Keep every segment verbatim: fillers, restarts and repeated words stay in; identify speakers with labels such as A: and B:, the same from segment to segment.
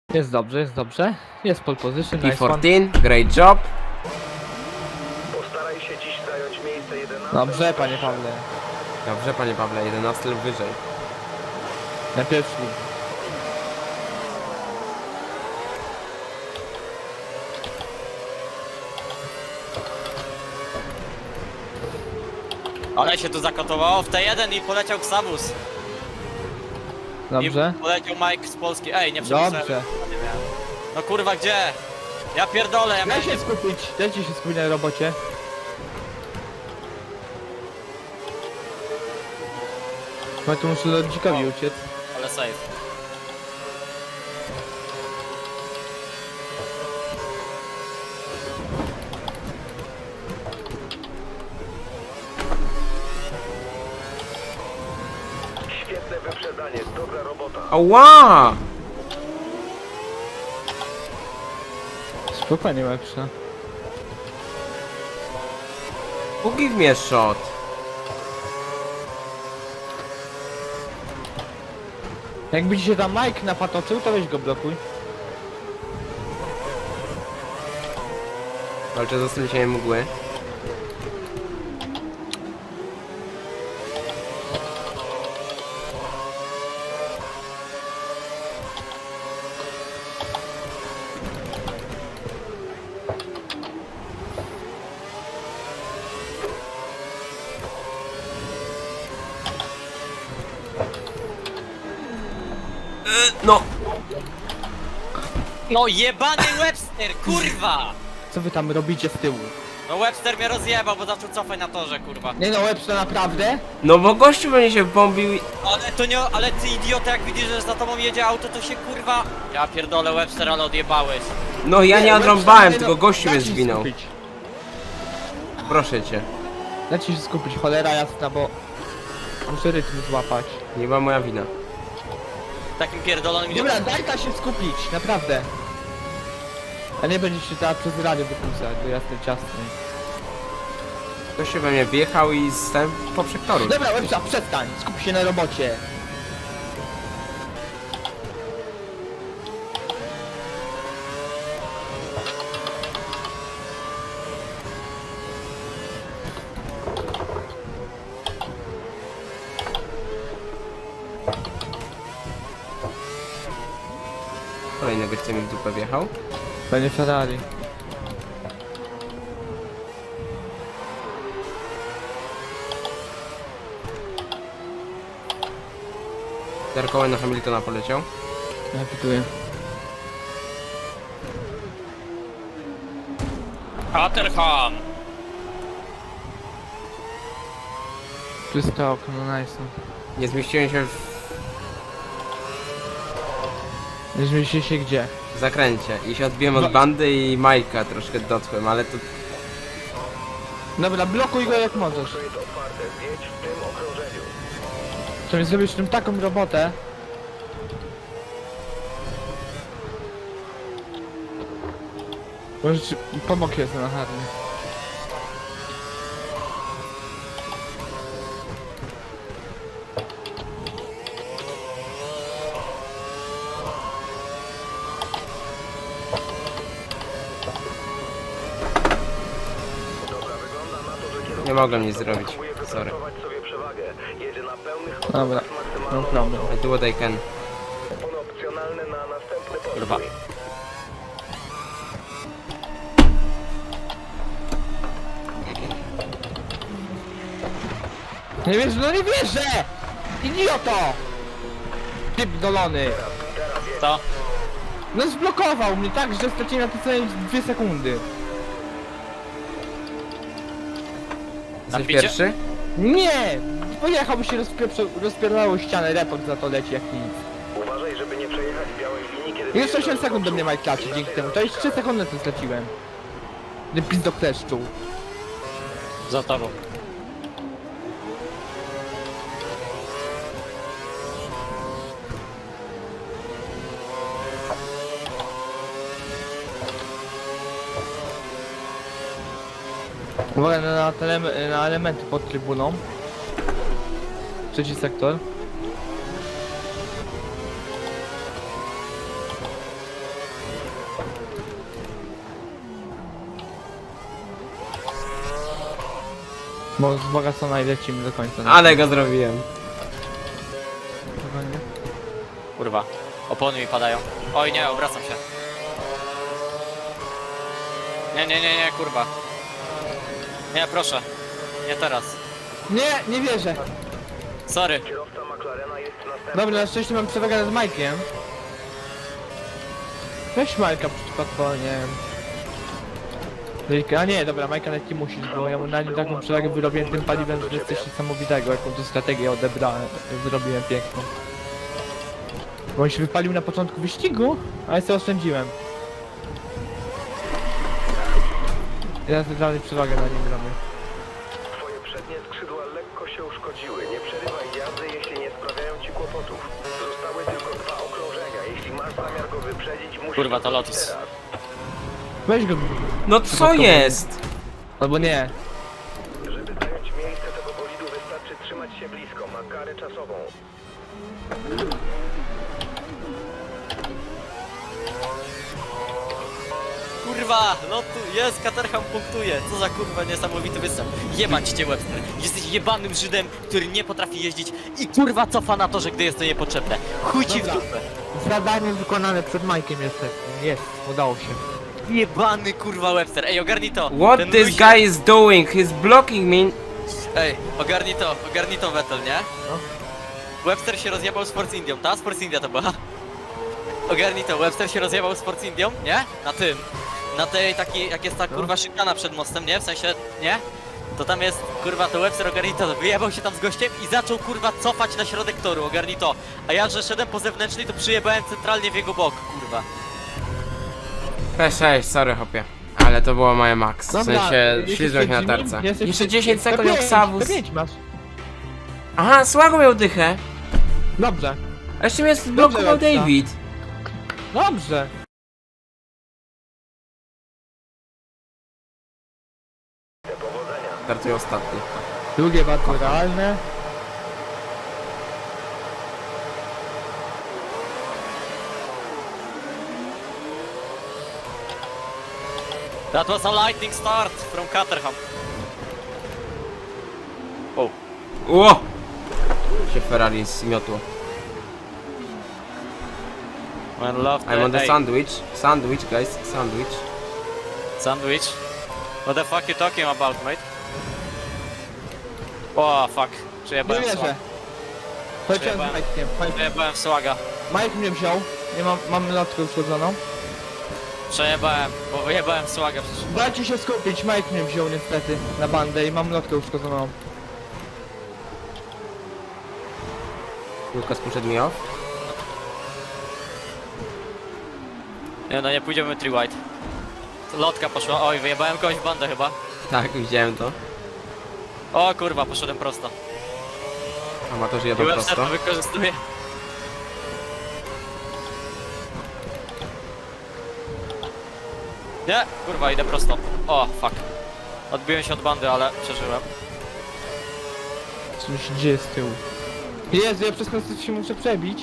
A: Jest dobrze, jest dobrze. Jest pole position,
B: P
A: nice one.
B: czternaście, great job.
C: Postaraj się dziś zająć miejsce jedenaste.
A: Dobrze, panie Pawle.
B: Dobrze, panie Pawle, jedenasty lub wyżej.
A: Na pierwszy.
D: Ale się tu zakotowało w T jeden i poleciał Xabus.
A: Dobrze.
D: I poleciał Mike z Polski. Ej, nie przepisałem.
A: Dobrze.
D: No kurwa, gdzie? Ja pierdolę, ja
A: Daj
D: miałem...
A: się skupić, dajcie się skupić na robocie. Bo tu muszę lodzikowi uciec.
D: Ale safe.
C: Świetne wyprzedzanie, dobra robota.
B: Ała!
A: Spokojnie, lepsza.
B: Who give me a shot?
A: Jakby ci się tam Mike napatoczył, to weź go blokuj.
B: Walczę z ostrzeliceniem mgły. No!
D: No jebany Webster, kurwa!
A: Co wy tam robicie z tyłu?
D: No Webster mnie rozjebał, bo zaczął cofać na torze, kurwa.
A: Nie no, Webster naprawdę?
B: No bo gościu będzie się bombił i...
D: Ale to nie, ale ty idiota, jak widzisz, że za tobą jedzie auto, to się kurwa... Ja pierdolę Webster, ale odjebałeś.
B: No ja nie
A: Webster,
B: odrąbałem,
A: nie,
B: tylko
A: no,
B: gościu mnie
A: dajcie się
B: zwinął.
A: skupić.
B: Proszę cię.
A: Dajcie się skupić, cholera jasna, bo... Muszę rytm złapać.
B: Nie była moja wina.
D: Takim pierdolonym
A: Dobra,
D: idiotą.
A: daj ta się skupić, naprawdę. A nie będziecie się teraz przez radio wykusać do jasnej ciasnej.
B: Gościu we mnie wjechał i stałem poprzek toru.
A: Dobra, Webster, przestań, skup się na robocie.
B: Kolejny gościa mi w dupę wjechał.
A: Panie Ferrari.
B: Darkołem na Hamiltona poleciał.
A: Ja pytuję.
D: Caterham!
A: Czyste okno, no nice.
B: Nie zmieściłem się
A: Nie zmieści się gdzie?
B: w zakręcie i się odbiłem od bandy i Majka troszkę dotkłem, ale to...
A: Dobra, blokuj go jak możesz.
C: Jest otwarte, zjedź w tym okrążeniu.
A: To mi zrobisz tym taką robotę. Może ci pomog jest na harny.
C: Dobra, wygląda na to, że kierowca
B: Nie mogłem nic zrobić.
C: próbuje
B: Sorry.
C: wypracować sobie przewagę. Jedzie na pełnych
A: Dobra,
C: obrotach z
A: no
C: maksymalną
A: problem.
B: I do what I can.
C: opony opcjonalne na następny
D: Kurwa.
C: postój.
A: Nie wierzę, no nie wierzę! Idioto! Typ dolony.
D: Co?
A: No zblokował mnie tak, że straciłem na to całe dwie sekundy.
B: Jesteś
D: picie?
B: pierwszy?
A: Nie! Pojechał, się rozpieprzył, rozpierdalało ścianę, report za to leci jak nic.
C: Uważaj, żeby nie przejechać białej linii, kiedy...
A: Jeszcze osiem sekund do mnie Mike klaczy dzięki temu, to jeszcze trzy sekundy to straciłem. Gdy pizdo kleszczu.
D: Za tobą.
A: Uwaga na, tele, na elementy pod trybuną. Trzeci sektor. Bo wzbogacona i lecimy do końca.
B: Ale go zrobiłem.
A: Spokojnie.
D: Kurwa. Opony mi padają. Oj nie, obracam się. Nie, nie, nie, nie, kurwa. Nie, proszę. Nie teraz.
A: Nie, nie wierzę.
D: Sorry.
C: Kierowca McLarena jest następny.
A: Dobra, na szczęście mam przewagę nad Majkiem. Weź Majka przykładowo, nie wiem. A nie, dobra, Majka nawet nie musisz, bo ja mu na nim taką przewagę wyrobiłem tym paliwem, że jest coś niesamowitego, jaką tu strategię odebrałem, zrobiłem piękną. Bo on się wypalił na początku wyścigu, a ja sobie oszczędziłem. Ja dalej przewagę na nim robię.
C: Twoje przednie skrzydła lekko się uszkodziły. Nie przerywaj jazdy, jeśli nie sprawiają ci kłopotów. Zostały tylko dwa okrążenia. Jeśli masz zamiar go wyprzedzić, musisz
D: Kurwa, to
C: to zrobić
D: Lotus.
C: teraz.
A: Weź go,
B: No co jest?
A: albo nie.
C: Żeby zająć miejsce tego bolidu, wystarczy trzymać się blisko. Ma karę czasową.
D: Kurwa, no tu jest, Caterham punktuje. Co za kurwa niesamowity występ. Jebać cię, Webster. Jesteś jebanym Żydem, który nie potrafi jeździć i kurwa cofa na torze, gdy jest to niepotrzebne. Chuj ci w
A: Dobra.
D: dupę.
A: Zadanie wykonane przed Majkiem jest. Jest, udało się.
D: Jebany kurwa Webster. Ej, ogarnij to.
B: What
D: Ten
B: this
D: Luis-
B: guy is doing? He's blocking me.
D: Ej, ogarnij to, ogarnij to Vettel, nie?
A: No.
D: Webster się rozjebał z Force Indią, ta? Z Force India to była. Ogarnij to, Webster się rozjebał z Force Indią, nie? Na tym. Na tej takiej, jak jest ta kurwa szykana przed mostem, nie? W sensie, nie? To tam jest, kurwa, to Webster ogarnij to, wyjebał się tam z gościem i zaczął kurwa cofać na środek toru, ogarnij to. A ja, że szedłem po zewnętrznej, to przyjebałem centralnie w jego bok, kurwa.
B: Cześć, cześć, sorry hopie. Ale to było moje max. W
A: Dobra,
B: sensie
A: jesteś
B: ślizgnąć
A: przed
B: na
A: nimi?
B: tarce.
A: Jesteś
B: Jeszcze
A: przed-
B: dziesięć sekund
A: P
B: jak
A: pięć,
B: Savus.
A: P pięć masz.
B: Aha, słago miał dychę.
A: Dobrze,
B: A jeszcze mnie zblokował
A: Lepsa.
B: David.
A: dobrze.
C: Powodzenia.
B: Startuje ostatni.
A: Drugie bardzo realne.
D: That was a lightning start from Caterham. O,
B: Ło! Się Ferrari zmiotło.
D: man love
B: I'm on the
D: ej,
B: sandwich. Sandwich, guys. Sandwich.
D: Sandwich? What the fuck you talking about, mate? O, fuck.
A: Nie
D: Przejebałem
A: wierzę.
D: słaga.
A: Poleciałem z
D: Przejebałem.
A: Majkiem. Mike-
D: Przejebałem słaga.
A: Mike mnie wziął. Nie mam, mam lotkę uszkodzoną.
D: Przejebałem, bo wyjebałem słaga przecież.
A: Dajcie się skupić, Mike mnie wziął niestety na bandę i mam lotkę uszkodzoną.
B: Lukas poszedł mi off.
D: Nie no, nie pójdziemy three white. Lotka poszła, oj, wyjebałem kogoś w bandę chyba.
B: Tak, widziałem to.
D: O kurwa, poszedłem prosto.
B: Amatorzy
D: I
B: jadą
D: Webster to
B: prosto.
D: wykorzystuje. Nie, kurwa, idę prosto. O, fuck. Odbiłem się od bandy, ale przeżyłem.
A: Co mi się dzieje z tyłu? Jezu, ja przez konstytucję się muszę przebić.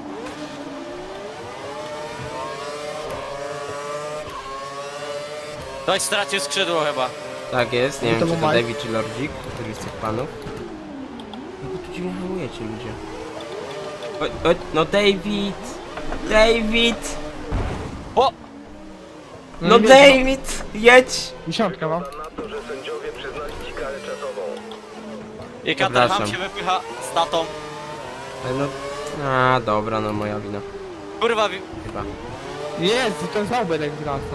D: Ktoś stracił skrzydło chyba.
B: Tak jest, nie
A: No
B: wiem
A: to
B: czy to
A: Mike.
B: David czy Lordzik, któryś z tych panów. No bo tu dziwnie hamujecie ludzie. O, o, no David! David!
D: O!
B: No
A: nie wiem,
B: David! Jedź!
A: Dziesiątka mam.
C: Wygląda na to, że sędziowie przyznali ci karę czasową.
D: I Caterham
B: Przepraszam.
D: się wypycha z tatą.
B: Ale no... A, dobra, no moja wina.
D: Kurwa, wi-
B: Chyba.
A: Jezu, ten Zauberek wraca.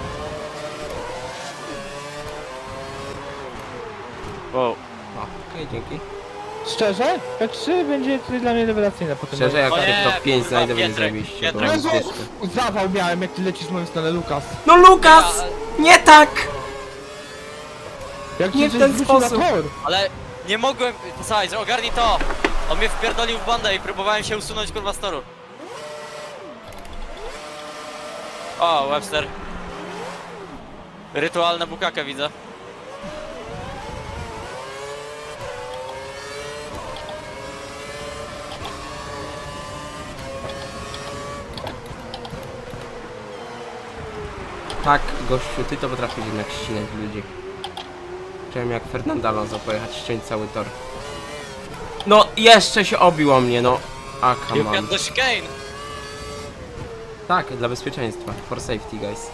D: wow.
B: O, okej, dzięki.
A: Szczerze? P trzy będzie dla mnie rewelacyjne potem.
B: Szczerze, jak
D: O
B: się
D: nie,
B: w top pięć
D: kurwa,
B: znajdę, będzie
D: Pietrek,
B: zajebiście, bo
D: Pietrek.
B: mam
A: Jezu,
B: zwyżkę.
A: zawał miałem jak ty lecisz w moją stronę, Lukas.
B: No Lukas! Nie tak!
A: Jak
B: Nie
A: ci
B: w
A: coś
B: ten
A: wrzucił na
B: sposób.
A: tor.
D: Ale nie mogłem... Słuchaj, ogarnij to! On mnie wpierdolił w bandę i próbowałem się usunąć kurwa z toru. O, Webster. Rytualne bukakę widzę.
B: Tak, gościu, ty to potrafisz jednak ścinać ludzi. Chciałem jak Fernando Alonso pojechać, ściąć cały tor. No, jeszcze się obił o mnie, no. A,
D: You
B: come on.
D: get the chicane!
B: Tak, dla bezpieczeństwa. For safety, guys.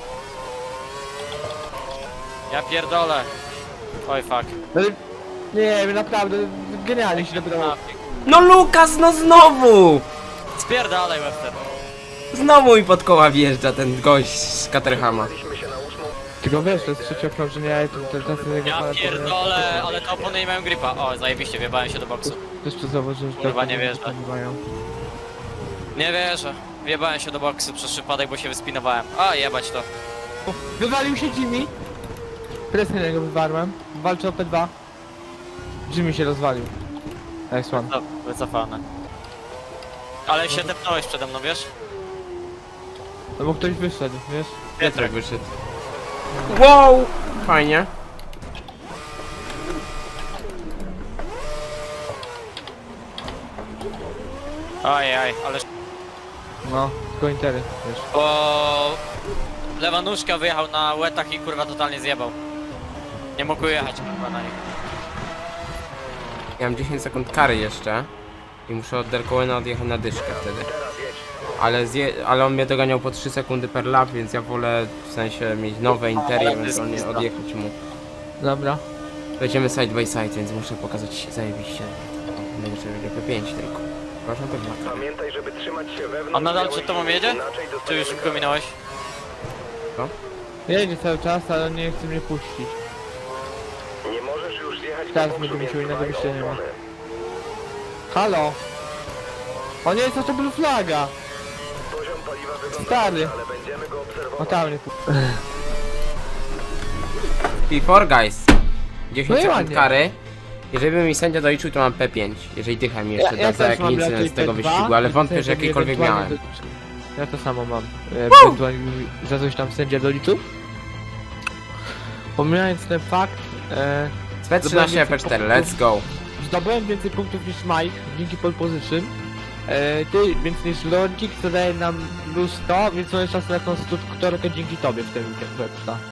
D: Ja pierdolę. Oj fuck.
A: Ale nie wiem, naprawdę, genialnie się dobrało.
B: No Lukas, no znowu!
D: Spierdalaj Webster.
B: Znowu mi pod koła wjeżdża ten gość z Caterhama.
C: Byliśmy się na ósmą.
A: Tylko wiesz, to jest trzecie okrążenie, a ja to te czasy jego
D: Ja pierdolę, ale te opony nie mają gripa. O, zajebiście, wjebałem się do boksu.
A: Też to zauważyłem, że
D: Kurwa,
A: tak
D: nie wierzę.
A: mają.
D: Nie wierzę. Wjebałem się do boksu przez przypadek, bo się wyspinowałem. A, jebać to.
A: Wywalił się Jimmy. Presję na niego wywarłem. Walczy o P dwa. Jimmy się rozwalił. Nice one.
D: No, wycofane. Ale się tepnąłeś przede mną, wiesz?
A: No bo ktoś wyszedł, wiesz?
B: Piotrek wyszedł. Wow! Fajnie.
D: Ajaj, ale...
A: No, tylko intery, wiesz.
D: Bo... Lewa nóżka wyjechał na łetach i kurwa totalnie zjebał. Nie mógł jechać kurwa na nich.
B: Ja mam dziesięć sekund kary jeszcze. I muszę od Derkołena odjechać na dyszkę wtedy. Ale, zje, ale on mnie doganiał po trzy sekundy per lap, więc ja wolę w sensie mieć nowe intery i
D: ale to jest
B: ewentualnie
D: pizda.
B: odjechać mu.
A: Dobra.
B: Będziemy side by side, więc muszę pokazać zajebiście. Będzie P pięć tylko. Proszę pewnie.
C: Pamiętaj, żeby trzymać się wewnątrz.
D: On nadal
C: białej
D: przed tobą
C: linii,
D: jedzie?
C: inaczej
D: Czy
C: dostaniemy
D: już go minąłeś?
A: Jedzie cały czas, ale nie chce mnie puścić.
C: Nie możesz już zjechać
A: Teraz
C: do boksu,
A: będę musiał
C: więc
A: innego
C: dbaj o
A: wyjścia nie ma.
C: opony.
A: Halo! O nie, co to blue flaga?
C: Poziom paliwa wygląda
A: Stary.
C: dobrze, ale będziemy go obserwować.
A: O tam nie pu...
B: P cztery guys. dziesięć
A: No i
B: sekund
A: ładnie.
B: kary. Jeżeli by mi sędzia doliczył, to mam P pięć. Jeżeli dycha mi jeszcze da za
A: też
B: jakiś
A: mam
B: incydent
A: raczej
B: z tego
A: P dwa,
B: wyścigu, ale
A: i
B: wątpię, że
A: sędzia mi
B: jakikolwiek
A: ewentualnie
B: miałem.
A: doliczy. Ja to samo mam. E, Ewentualnie mi za coś tam sędzia doliczył. Pomijając ten fakt, e,
B: Z P trzynaście P cztery, let's go.
A: zdobyłem więcej punktów niż Mike dzięki pole position. E, ty więc niż Logik, co daje nam plus sto, więc on jest czas na konstruktorkę dzięki tobie w tym weekend.